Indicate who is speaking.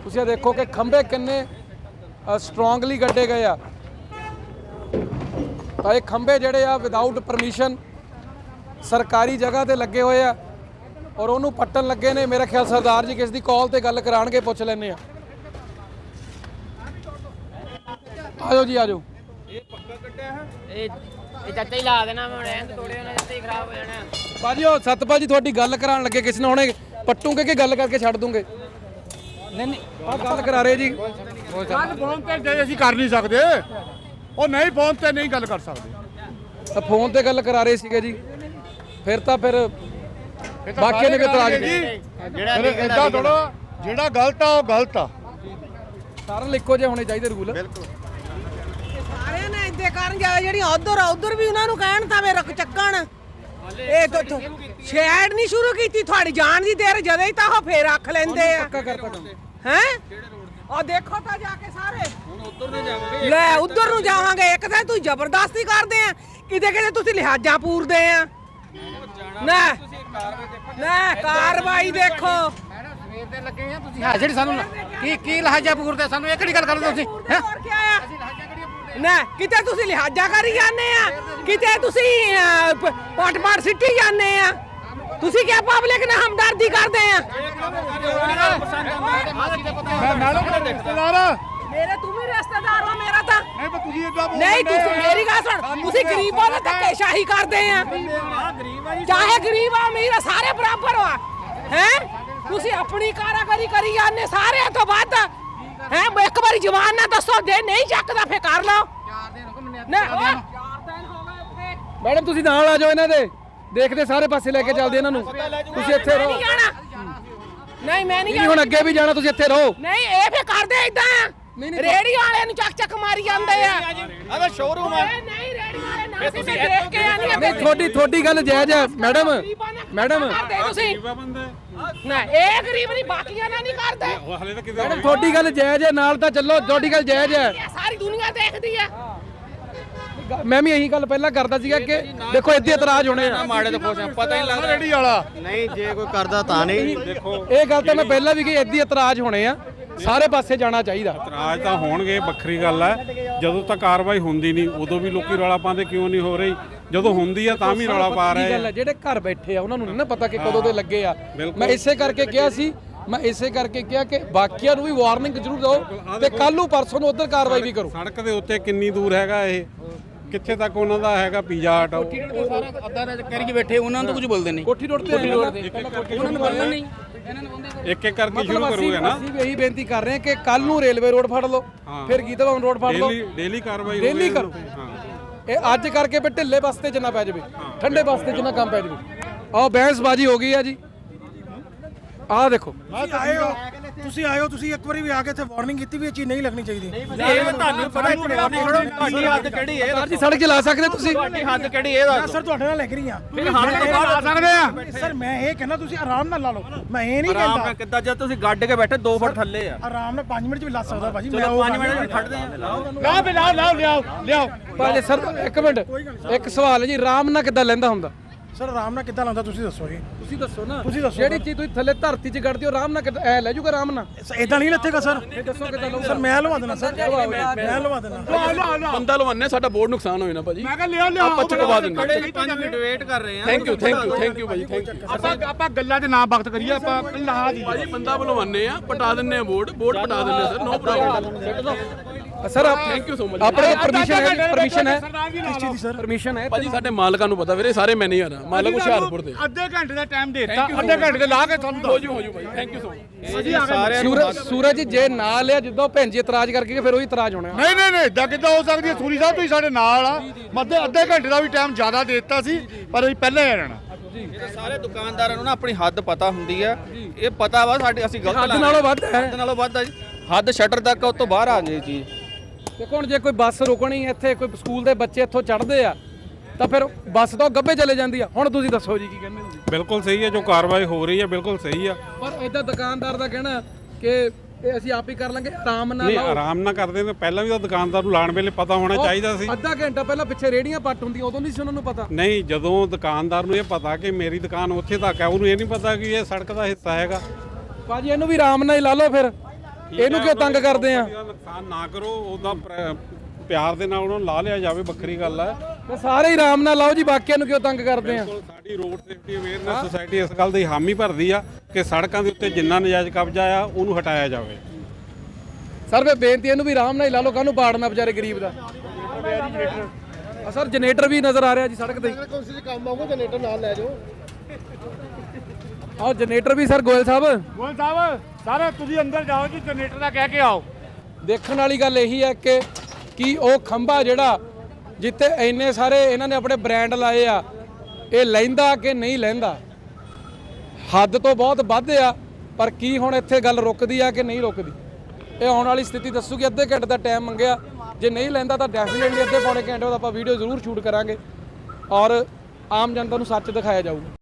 Speaker 1: ਤੁਸੀਂ ਦੇਖੋ ਕਿ ਖੰਭੇ ਕਿੰਨੇ ਸਟਰੋਂਗਲੀ ਗੱਡੇ ਗਏ ਆ। ਤਾਂ ਇਹ ਖੰਭੇ ਜਿਹੜੇ ਆ ਵਿਦਆਊਟ ਪਰਮਿਸ਼ਨ ਸਰਕਾਰੀ ਜਗ੍ਹਾ ਤੇ ਲੱਗੇ ਹੋਏ ਆ ਔਰ ਉਹਨੂੰ ਪੱਟਣ ਲੱਗੇ ਨੇ। ਮੇਰਾ ਖਿਆਲ ਸਰਦਾਰ ਜੀ ਕਿਸ ਦੀ ਕਾਲ ਤੇ ਗੱਲ ਕਰਾਣਗੇ, ਪੁੱਛ ਲੈਣੇ ਆ। ਆਜੋ ਜੀ ਆਜੋ।
Speaker 2: ਇਹ ਪੱਕਾ ਕੱਟਿਆ ਹੈ, ਇਹ ਚਾਚਾ ਹੀ ਲਾ ਦੇਣਾ ਮੈਂ, ਰਹਿਣ ਤੋੜੇ ਉਹਨਾਂ ਦੇ ਖਰਾਬ ਹੋ ਜਾਣਾ।
Speaker 1: ਬਾਜੀ ਉਹ ਸਤਪਾਲ ਜੀ ਤੁਹਾਡੀ ਗੱਲ ਕਰਾਉਣ ਲੱਗੇ, ਕਿਸੇ ਨੇ ਹੁਣੇ ਪੱਟੂਗੇ ਕਿ ਗੱਲ ਕਰਕੇ ਛੱਡ ਦੂੰਗੇ?
Speaker 2: ਨਹੀਂ
Speaker 1: ਆਹ ਗੱਲ ਕਰਾ ਰਹੇ ਜੀ।
Speaker 3: ਗੱਲ ਫੋਨ ਤੇ ਜੇ ਅਸੀਂ ਕਰ ਨਹੀਂ ਸਕਦੇ, ਉਹ ਨਹੀਂ ਫੋਨ ਤੇ ਨਹੀਂ ਗੱਲ ਕਰ ਸਕਦੇ।
Speaker 1: ਤਾਂ ਫੋਨ ਤੇ ਗੱਲ ਕਰਾ ਰਹੇ ਸੀਗੇ ਜੀ, ਫਿਰ ਬਾਕੀ ਨੇ ਵੀ ਇਤਰਾਜ਼ ਕੀਤਾ।
Speaker 2: ਜਿਹੜਾ
Speaker 3: ਇਦਾਂ ਥੋੜਾ, ਜਿਹੜਾ ਗਲਤ ਆ ਉਹ ਗਲਤ ਆ।
Speaker 1: ਸਾਰਿਆਂ ਲਈ ਇੱਕੋ ਜਿਹੇ ਹੋਣੇ ਚਾਹੀਦੇ ਰੂਲ।
Speaker 4: ਸਾਰਿਆਂ ਨੇ ਇੱਦੇ ਕਰਨ ਜਾ ਜਿਹੜੀਆਂ ਉਧਰ ਵੀ ਉਹਨਾਂ ਨੂੰ ਕਹਿਣ ਤਾਂ ਵੇ ਰੁਕ ਚੱਕਣ। ਇਹ ਤਾਂ ਸ਼ੈਡ ਨਹੀਂ ਸ਼ੁਰੂ ਕੀਤੀ, ਤੁਹਾਡੀ ਜਾਣ ਦੀ ਦੇਰ ਜਦੋਂ ਹੀ ਤਾਂ ਉਹ ਫੇਰ ਰੱਖ ਲੈਂਦੇ ਆ।
Speaker 1: ਪੱਕਾ ਕਰਤਾ ਕੰਮ
Speaker 4: ਹੈ ਉਹ ਦੇਖੋ ਤਾਂ ਜਾ ਕੇ ਸਾਰੇ ਹੁਣ ਉਧਰ ਨੂੰ ਜਾਵਾਂਗੇ। ਲੈ ਉਧਰ ਨੂੰ ਜਾਵਾਂਗੇ। ਇੱਕ ਤਾਂ ਤੂੰ ਜ਼ਬਰਦਸਤੀ ਕਰਦੇ ਆ, ਕਿਤੇ ਕਿਤੇ ਤੁਸੀਂ ਲਿਹਾਜ਼ਾ ਪੂਰਦੇ ਆ। ਨਾ ਕਾਰਵਾਈ ਦੇਖੋ।
Speaker 3: ਸਵੇਰ ਦੇ ਲੱਗੇ ਆ ਤੁਸੀਂ। ਹਾਂ ਜਿਹੜੀ ਸਾਨੂੰ ਕੀ ਲਹਾਜਾ ਪੂਰਦੇ, ਸਾਨੂੰ ਇਹ ਕਿਹੜੀ ਗੱਲ ਕਰਦੇ ਤੁਸੀਂ? ਹੈ
Speaker 4: ਹੋਰ ਕੀ ਆਇਆ ਨਾ, ਕਿਤੇ ਤੁਸੀਂ ਲਿਹਾਜ਼ਾ ਕਰੀ ਜਾਂਦੇ ਆ, ਕਿਤੇ ਤੁਸੀਂ ਪਟ ਸਿੱਟੀ ਜਾਂਦੇ ਆ। ਤੁਸੀਂ ਕਿਆ ਪਬਲਿਕ ਨਾਲ ਹਮਦਰਦੀ ਕਰਦੇ ਆ? ਮੇਰੇ ਤੂੰ ਵੀ ਰਿਸ਼ਤੇਦਾਰ ਹੋ ਮੇਰਾ ਤਾਂ ਨਹੀਂ। ਤੁਸੀਂ ਮੇਰੀ ਗੱਲ ਸੁਣ, ਤੁਸੀਂ ਗਰੀਬਾਂ ਨਾਲ ਧੱਕੇਸ਼ਾਹੀ ਕਰਦੇ ਆ। ਚਾਹੇ ਗਰੀਬ ਆ ਅਮੀਰ ਆ, ਸਾਰੇ ਬਰਾਬਰ ਆ। ਹੈ ਤੁਸੀਂ ਆਪਣੀ ਕਾਰਾਗਰੀ ਕਰੀ ਜਾਂਦੇ ਸਾਰਿਆਂ ਤੋਂ ਵੱਧ। ਹੈ ਇੱਕ ਵਾਰੀ ਜਵਾਨ ਨਾ ਦੱਸੋ, ਜੇ ਨਹੀਂ ਚੱਕਦਾ ਫੇਰ ਕਰ ਲਓ। 4 ਦਿਨ ਹੋ ਗਏ ਉੱਥੇ।
Speaker 1: ਮੈਡਮ ਤੁਸੀਂ ਨਾਲ ਆ ਜਾਓ ਇਹਨਾਂ ਦੇ, ਦੇਖਦੇ ਸਾਰੇ ਪਾਸੇ ਲੈ ਕੇ ਚੱਲਦੇ ਇਹਨਾਂ ਨੂੰ। ਤੁਸੀਂ ਇੱਥੇ ਰਹੋ।
Speaker 4: ਨਹੀਂ ਮੈਂ ਨਹੀਂ
Speaker 1: ਹੁਣ ਅੱਗੇ ਵੀ ਜਾਣਾ, ਤੁਸੀਂ ਇੱਥੇ ਰਹੋ।
Speaker 4: ਨਹੀਂ ਇਹ ਫੇਰ ਕਰਦੇ ਇਦਾਂ, ਰੇੜੀ ਵਾਲਿਆਂ ਨੂੰ ਚੱਕ ਮਾਰੀ ਜਾਂਦੇ ਆ।
Speaker 2: ਆਹ ਸ਼ੋਰੂਮ ਆ।
Speaker 4: ਨਹੀਂ ਰੇੜੀ ਵਾਲੇ ਨਾ ਤੁਸੀਂ ਦੇਖ ਕੇ ਆਣੀ ਆ।
Speaker 1: ਨਹੀਂ ਤੁਹਾਡੀ ਗੱਲ ਜਾਇਜ਼ ਹੈ ਮੈਡਮ।
Speaker 4: ਤੁਸੀਂ ਨਾ ਇਹ ਗਰੀਬ ਨਹੀਂ, ਬਾਕੀਆਂ ਨਾਲ ਨਹੀਂ ਕਰਦੇ।
Speaker 1: ਮੈਡਮ ਤੁਹਾਡੀ ਗੱਲ ਜਾਇਜ਼ ਹੈ, ਨਾਲ ਤਾਂ ਚੱਲੋ, ਤੁਹਾਡੀ ਗੱਲ ਜਾਇਜ਼ ਹੈ।
Speaker 4: ਸਾਰੀ ਦੁਨੀਆ ਦੇਖਦੀ ਆ।
Speaker 1: ਮੈਂ ਵੀ ਇਹੀ ਗੱਲ ਪਹਿਲਾਂ ਕਰਦਾ ਸੀਗਾ ਕਿ ਦੇਖੋ ਇੱਥੇ ਇਤਰਾਜ਼ ਹੋਣੇ ਆ।
Speaker 2: ਮਾੜੇ ਤੋਂ ਖੁਸ਼ ਆ, ਪਤਾ ਹੀ ਨਹੀਂ ਲੱਗਦਾ
Speaker 3: ਰੇੜੀ ਵਾਲਾ
Speaker 2: ਨਹੀਂ ਜੇ ਕੋਈ ਕਰਦਾ ਤਾਂ ਨਹੀਂ। ਦੇਖੋ
Speaker 1: ਇਹ ਗੱਲ ਤਾਂ ਮੈਂ ਪਹਿਲਾਂ ਵੀ ਕਹੀ, ਇੱਥੇ ਇਤਰਾਜ਼ ਹੋਣੇ ਆ, ਸਾਰੇ ਪਾਸੇ ਜਾਣਾ ਚਾਹੀਦਾ।
Speaker 5: ਇਤਰਾਜ਼ ਤਾਂ ਹੋਣਗੇ, ਵੱਖਰੀ ਗੱਲ ਹੈ। ਜਦੋਂ ਤੱਕ ਕਾਰਵਾਈ ਹੁੰਦੀ ਨਹੀਂ ਉਦੋਂ ਵੀ ਲੋਕੀ ਰੌਲਾ ਪਾਉਂਦੇ ਕਿਉਂ ਨਹੀਂ ਹੋ ਰਹੀ, ਜਦੋਂ ਹੁੰਦੀ ਆ ਤਾਂ ਵੀ ਰੌਲਾ ਪਾ ਰਹੇ ਆ।
Speaker 1: ਜਿਹੜੇ ਘਰ ਬੈਠੇ ਆ ਉਹਨਾਂ ਨੂੰ ਨਹੀਂ ਨਾ ਪਤਾ ਕਿ ਕਦੋਂ ਦੇ ਲੱਗੇ ਆ। ਮੈਂ ਇਸੇ ਕਰਕੇ ਕਿਹਾ ਸੀ, ਕਿ ਬਾਕੀਆਂ ਨੂੰ ਵੀ ਵਾਰਨਿੰਗ ਜ਼ਰੂਰ ਦਿਓ ਤੇ ਕੱਲ ਨੂੰ ਪਰਸੋਂ ਨੂੰ ਉਧਰ ਕਾਰਵਾਈ ਵੀ ਕਰੋ।
Speaker 5: ਸੜਕ ਦੇ ਉੱਤੇ ਕਿੰਨੀ ਦੂਰ ਹੈਗਾ ਇਹ, ਕਿੱਥੇ ਤੱਕ ਉਹਨਾਂ ਦਾ ਹੈਗਾ ਪੀਜ਼ਾ ਹਟ?
Speaker 2: ਅੱਧਾ ਕਰੀ ਬੈਠੇ, ਉਹਨਾਂ ਨੂੰ ਤਾਂ ਕੁਝ ਬੋਲਦੇ ਨਹੀਂ।
Speaker 1: ਕੋਠੀ ਰੋਡ ਤੇ
Speaker 2: ਉਹਨਾਂ ਨੂੰ ਬੋਲਣਾ ਨਹੀਂ।
Speaker 5: ਇੱਕ ਇੱਕ ਕਰਕੇ ਸ਼ੁਰੂ ਕਰੂਗੇ ਨਾ।
Speaker 1: ਅਸੀਂ ਵੀ ਇਹੀ ਬੇਨਤੀ ਕਰ ਰਹੇ ਹਾਂ ਕਿ ਕੱਲ ਨੂੰ ਰੇਲਵੇ ਰੋਡ ਫੜ ਲਓ, ਫਿਰ ਗੀਤਾਵਾਂ ਰੋਡ ਫੜ ਲਓ,
Speaker 5: ਡੇਲੀ ਕਾਰਵਾਈ
Speaker 1: ਡੇਲੀ ਕਰੋ। ਇਹ ਅੱਜ ਕਰਕੇ ਵੀ ਢਿੱਲੇ ਬਸਤੇ ਚ ਨਾ ਪੈ ਜਾਵੇ, ਠੰਡੇ ਬਸਤੇ ਚ ਨਾ ਕੰਮ ਪੈ ਜਾਵੇ। ਆਹ ਬਹਿਸਬਾਜ਼ੀ ਹੋ ਗਈ ਆ ਜੀ। ਆਹ ਦੇਖੋ
Speaker 6: ਤੁਸੀਂ ਆਏ ਹੋ, ਤੁਸੀਂ ਇੱਕ ਵਾਰੀ ਵੀ ਆ ਕੇ ਇੱਥੇ ਵਾਰਨਿੰਗ ਕੀਤੀ ਵੀ ਇਹ ਚੀਜ਼ ਨਹੀਂ ਲੱਗਣੀ ਚਾਹੀਦੀ।
Speaker 2: ਤੁਹਾਨੂੰ ਪਤਾ ਤੁਹਾਡੀ ਹੱਦ ਕਿਹੜੀ ਹੈ?
Speaker 1: ਸਰ ਜੀ ਸੜਕ ਚਲਾ ਸਕਦੇ ਤੁਸੀਂ?
Speaker 2: ਤੁਹਾਡੀ ਹੱਦ ਕਿਹੜੀ ਹੈ?
Speaker 6: ਮੈਂ ਸਰ ਤੁਹਾਡੇ ਨਾਲ ਲੱਗ ਰਹੀ ਆ।
Speaker 2: ਫਿਰ ਹੱਦ ਤੋਂ ਬਾਹਰ ਆ ਸਕਦੇ ਆ।
Speaker 6: ਸਰ ਮੈਂ ਇਹ ਕਹਿੰਦਾ ਤੁਸੀਂ ਆਰਾਮ ਨਾਲ ਲਾ ਲਓ, ਮੈਂ ਇਹ ਨਹੀਂ
Speaker 2: ਆਰਾਮ ਨਾਲ
Speaker 6: ਕਹਿੰਦਾ।
Speaker 2: ਕਿੱਦਾਂ ਜਦ ਤੁਸੀਂ ਗੱਡ ਕੇ ਬੈਠੇ 2 ਫੁੱਟ ਥੱਲੇ ਆ।
Speaker 6: ਆਰਾਮ ਨਾਲ 5 ਮਿੰਟ ਚ ਵੀ ਲਾ ਸਕਦਾ ਭਾਜੀ।
Speaker 2: ਚਲੋ 5 ਮਿੰਟ ਵਿੱਚ ਖੜਦੇ ਆ।
Speaker 3: ਲਿਆਓ
Speaker 1: ਭਾਜੀ ਸਰ ਇੱਕ ਮਿੰਟ, ਇੱਕ ਸਵਾਲ ਹੈ ਜੀ, ਆਰਾਮ ਨਾਲ ਕਿੱਦਾਂ ਲੈਂਦਾ ਹੁੰਦਾ?
Speaker 6: ਸਰ ਆਰਾਮ ਨਾਲ ਕਿੱਦਾਂ ਲਾਉਂਦਾ ਤੁਸੀਂ ਦੱਸੋ ਜੀ।
Speaker 1: ਤੁਸੀਂ ਦੱਸੋ ਨਾ।
Speaker 6: ਤੁਸੀਂ ਦੱਸੋ।
Speaker 1: ਜਿਹੜੀ ਚੀਜ਼ ਤੁਸੀਂ ਥੱਲੇ ਧਰਤੀ 'ਚ ਗੱਡਦੇ ਹੋ ਆਰਾਮ ਨਾਲ ਕਿੱਦਾਂ ਐ ਲੈ ਜੂਗਾ ਆਰਾਮ ਨਾਲ?
Speaker 6: ਇਦਾਂ ਨਹੀਂ ਲੱਥੇਗਾ ਸਰ।
Speaker 1: ਦੱਸੋ ਕਿੱਦਾਂ ਲਊਗਾ?
Speaker 6: ਸਰ ਮੈਂ ਲਵਾ ਦੇਣਾ ਸਰ, ਮੈਂ ਲਵਾ ਦੇਣਾ।
Speaker 1: ਬੰਦਾ ਲਵਾਨੇ, ਸਾਡਾ ਬੋਰਡ ਨੁਕਸਾਨ ਹੋਇਆ ਨਾ ਭਾਜੀ।
Speaker 3: ਮੈਂ ਕਿਹਾ ਲਿਆਓ
Speaker 1: ਆਪਾਂ ਚੁਕਵਾ ਦਿੰਦੇ।
Speaker 2: 5 ਮਿੰਟ ਵੇਟ ਕਰ ਰਹੇ ਆ।
Speaker 1: ਥੈਂਕ ਯੂ ਭਾਜੀ, ਥੈਂਕ ਯੂ।
Speaker 3: ਆਪਾਂ ਗੱਲਾਂ 'ਚ ਨਾ ਵਕਤ ਕਰੀਏ, ਆਪਾਂ ਲਾਹ ਦੀ
Speaker 1: ਭਾਜੀ ਬੰਦਾ ਬੁਲਵਾਨੇ ਆ, ਪਟਾ ਦਿੰਨੇ ਆ ਬੋਰਡ ਪਟਾ ਦਿੰਨੇ ਆ ਸਰ, ਨੋ ਪ੍ਰੋਬਲਮ। ਸਰ ਆਪ ਥੈਂਕ ਯੂ ਸੋ ਮਚ। ਆਪਣੇ ਪਰਮਿਸ਼ਨ ਹੈ
Speaker 6: ਕਿਸ ਚੀਜ਼ ਦੀ ਸਰ?
Speaker 1: ਪਰਮਿਸ਼ਨ ਹੈ ਭਾਜੀ, ਸਾਡੇ ਮਾਲਕਾਂ ਨੂੰ ਪਤਾ ਵੀਰੇ, ਸਾਰੇ ਮੈਨੇਜਰ ਆ ਮਾਲਕ ਹੁਸ਼ਿਆਰਪੁਰ ਦੇ।
Speaker 3: ਅੱਧੇ ਘੰਟੇ ਦਾ ਟਾਈਮ ਦੇ ਦਿੱਤਾ, ਅੱਧੇ ਘੰਟੇ ਦੇ ਲਾ ਕੇ ਤੁਹਾਨੂੰ
Speaker 1: ਹੋ ਜੂ ਭਾਈ, thank you so much. Suraj ਜੇ ਨਾ ਲਿਆ, ਜਿੱਦੋਂ ਭੈਣ ਜੀ ਇਤਰਾਜ਼ ਕਰਕੇ ਫਿਰ ਉਹੀ ਇਤਰਾਜ਼ ਹੋਣਾ।
Speaker 3: ਨਹੀਂ ਇਦਾਂ ਕਿੱਦਾਂ ਹੋ ਸਕਦੀ ਹੈ? ਸੂਰੀ ਸਾਹਿਬ ਤੁਸੀਂ ਸਾਡੇ ਨਾਲ ਆ। ਮੱਦੇ ਅੱਧੇ ਘੰਟੇ ਦਾ ਵੀ ਟਾਈਮ ਜ਼ਿਆਦਾ ਦੇ ਦਿੱਤਾ ਸੀ, ਪਰ ਅਸੀਂ ਪਹਿਲਾਂ ਹੀ ਰਹਿਣਾ।
Speaker 2: ਇਹ ਸਾਰੇ ਦੁਕਾਨਦਾਰਾਂ ਨੂੰ ਨਾ ਆਪਣੀ ਹੱਦ ਪਤਾ ਹੁੰਦੀ ਆ। ਇਹ ਪਤਾ ਵਾ ਸਾਡੇ ਅਸੀਂ ਗਲਤ
Speaker 1: ਹੱਦ ਨਾਲੋਂ ਵੱਧ ਹੈ।
Speaker 2: ਹੱਦ ਨਾਲੋਂ ਵੱਧ ਆ ਜੀ। ਹੱਦ ਸ਼ਟਰ ਤੱਕ ਉਸ ਤੋਂ ਬਾਹਰ ਆ ਗਈ ਚੀਜ਼।
Speaker 1: ਦੇਖੋ ਹੁਣ ਜੇ ਕੋਈ ਬੱਸ ਰੁਕਣੀ ਇੱਥੇ, ਕੋਈ ਸਕੂਲ ਦੇ ਬੱਚੇ ਇੱਥੋਂ ਚੜ੍ਹਦੇ ਆ ਤਾਂ ਫਿਰ ਬੱਸ ਤੋਂ ਗੱਬੇ ਚਲੇ ਜਾਂਦੀ ਆ। ਹੁਣ ਤੁਸੀਂ ਦੱਸੋ ਜੀ ਕੀ ਕਹਿੰਦੇ ਹੋ?
Speaker 5: ਬਿਲਕੁਲ ਸਹੀ ਹੈ, ਜੋ ਕਾਰਵਾਈ ਹੋ ਰਹੀ ਹੈ ਬਿਲਕੁਲ ਸਹੀ ਆ।
Speaker 1: ਪਰ ਇਦਾਂ ਦੁਕਾਨਦਾਰ ਦਾ ਕਹਿਣਾ ਕਿ ਇਹ ਅਸੀਂ ਆਪ ਹੀ ਕਰ ਲਾਂਗੇ, ਆਰਾਮ ਨਾਲ
Speaker 5: ਨਹੀਂ
Speaker 1: ਲਾਓ।
Speaker 5: ਆਰਾਮ ਨਾਲ ਕਰਦੇ ਨੇ, ਪਹਿਲਾਂ ਵੀ ਤਾਂ ਦੁਕਾਨਦਾਰ ਨੂੰ ਲਾਣ ਵੇਲੇ ਪਤਾ ਹੋਣਾ ਚਾਹੀਦਾ ਸੀ।
Speaker 1: ਅੱਧਾ ਘੰਟਾ ਪਹਿਲਾਂ ਪਿੱਛੇ ਰੇੜੀਆਂ ਪੱਟ ਹੁੰਦੀਆਂ, ਉਦੋਂ ਨਹੀਂ ਸੀ ਉਹਨਾਂ ਨੂੰ ਪਤਾ।
Speaker 5: ਨਹੀਂ, ਜਦੋਂ ਦੁਕਾਨਦਾਰ ਨੂੰ ਇਹ ਪਤਾ ਕਿ ਮੇਰੀ ਦੁਕਾਨ ਉੱਥੇ ਤੱਕ ਹੈ, ਉਹਨੂੰ ਇਹ ਨਹੀਂ ਪਤਾ ਕਿ ਇਹ ਸੜਕ ਦਾ ਹਿੱਸਾ ਹੈਗਾ।
Speaker 1: ਭਾਜੀ ਇਹਨੂੰ ਵੀ ਆਰਾਮ ਨਾਲ ਹੀ ਲਾ ਲਓ ਫਿਰ। ਇਹਨੂੰ ਕਿਉਂ ਤੰਗ ਕਰਦੇ ਆ?
Speaker 5: ਨੁਕਸਾਨ ਨਾ ਕਰੋ, ਉਹਦਾ ਪਿਆਰ ਦੇ ਨਾਲ ਉਹਨਾਂ ਨੂੰ ਲਾ ਲਿਆ ਜਾਵੇ, ਵੱਖਰੀ ਗੱਲ ਹੈ।
Speaker 1: ਤੇ ਸਾਰੇ ਹੀ ਆਰਾਮ ਨਾਲ ਲਾਓ ਜੀ, ਬਾਕੀਆਂ ਨੂੰ ਕਿਉਂ ਤੰਗ ਕਰਦੇ ਆ?
Speaker 5: ਸਾਡੀ ਰੋਡ ਸੇਫਟੀ ਅਵੇਅਰਨੈਸ ਸੁਸਾਇਟੀ ਇਸ ਗੱਲ ਦੀ ਹਾਮੀ ਭਰਦੀ ਆ ਕਿ ਸੜਕਾਂ ਦੇ ਉੱਤੇ ਜਿੰਨਾ ਨਜਾਇਜ਼ ਕਬਜ਼ਾ ਆ ਉਹਨੂੰ ਹਟਾਇਆ ਜਾਵੇ।
Speaker 1: ਸਰ ਵੇ ਬੇਨਤੀ ਇਹਨੂੰ ਵੀ ਆਰਾਮ ਨਾਲ ਹੀ ਲਾ ਲਓ, ਕਾਹਨੂੰ ਪਾੜਨਾ ਵਿਚਾਰੇ ਗਰੀਬ ਦਾ। ਸਰ ਜਨਰੇਟਰ ਵੀ ਨਜ਼ਰ ਆ ਰਿਹਾ ਜੀ ਸੜਕ ਤੇ।
Speaker 3: ਕੰਮ ਆਊਗਾ ਜਨਰੇਟਰ ਨਾਲ ਲੈ ਜਾਓ।
Speaker 1: ਆਹ ਜਨਰੇਟਰ ਵੀ ਸਰ ਗੋਇਲ ਸਾਹਿਬ
Speaker 3: ਸਾਰੇ ਤੁਸੀਂ ਅੰਦਰ ਜਾਓ ਜੀ, ਜਨਰੇਟਰ ਦਾ ਕਹਿ ਕੇ ਆਓ।
Speaker 1: ਦੇਖਣ ਵਾਲੀ ਗੱਲ ਇਹੀ ਹੈ ਕਿ ਕੀ ਉਹ ਖੰਭਾ ਜਿਹੜਾ ਜਿੱਥੇ ਇੰਨੇ ਸਾਰੇ ਇਹਨਾਂ ਨੇ ਆਪਣੇ ਬ੍ਰਾਂਡ ਲਾਏ ਆ, ਇਹ ਲੈਂਦਾ ਕਿ ਨਹੀਂ ਲੈਂਦਾ? ਹੱਦ ਤੋਂ ਬਹੁਤ ਵੱਧ ਆ, ਪਰ ਕੀ ਹੁਣ ਇੱਥੇ ਗੱਲ ਰੁਕਦੀ ਆ ਕਿ ਨਹੀਂ ਰੁਕਦੀ? ਇਹ ਆਉਣ ਵਾਲੀ ਸਥਿਤੀ ਦੱਸੂਗੀ। ਅੱਧੇ ਘੰਟੇ ਦਾ ਟਾਈਮ ਮੰਗਿਆ, ਜੇ ਨਹੀਂ ਲੈਂਦਾ ਤਾਂ ਡੈਫੀਨਿਟਲੀ ਅੱਧੇ ਪੌਣੇ ਘੰਟੇ ਬਾਅਦ ਆਪਾਂ ਵੀਡੀਓ ਜ਼ਰੂਰ ਸ਼ੂਟ ਕਰਾਂਗੇ ਔਰ ਆਮ ਜਨਤਾ ਨੂੰ ਸੱਚ ਦਿਖਾਇਆ ਜਾਊਗਾ।